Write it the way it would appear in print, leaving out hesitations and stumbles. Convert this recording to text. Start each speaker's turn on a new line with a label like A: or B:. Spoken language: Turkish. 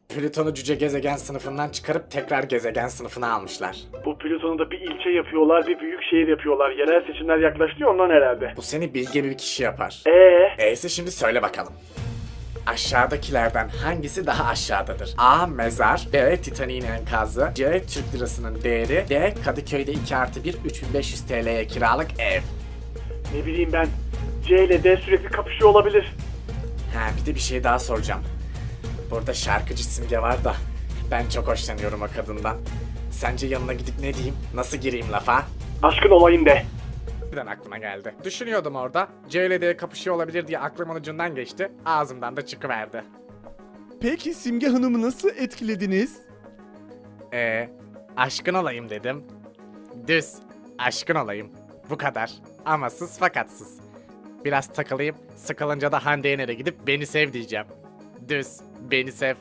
A: Plüton'u cüce gezegen sınıfından çıkarıp tekrar gezegen sınıfına almışlar.
B: Bu Plüton'u da bir ilçe yapıyorlar, bir büyük şehir yapıyorlar. Yerel seçimler yaklaştı ondan herhalde.
A: Bu seni bilge bir kişi yapar.
B: Eee?
A: Ise şimdi söyle bakalım. Aşağıdakilerden hangisi daha aşağıdadır? A. Mezar, B. Titanik'in enkazı, C. Türk lirasının değeri, D. Kadıköy'de 2+1 3500 TL'ye kiralık ev.
B: Ne bileyim ben. C ile D sürekli kapışıyor olabilir.
A: Ha, bir de bir şey daha soracağım. Burada şarkıcı Simge var da ben çok hoşlanıyorum o kadından. Sence yanına gidip ne diyeyim? Nasıl gireyim lafa?
B: Aşkın olayım de.
A: Birden aklıma geldi. Düşünüyordum orada. C ile D kapışıyor olabilir diye aklımın ucundan geçti. Ağzımdan da çıkıverdi.
C: Peki Simge Hanım'ı nasıl etkilediniz?
A: Aşkın olayım dedim. Düz. Aşkın olayım. Bu kadar. Amasız fakatsız. Biraz takılayım. Sıkılınca da Hande Yener'e gidip beni sev diyeceğim. Düz. Beni sev.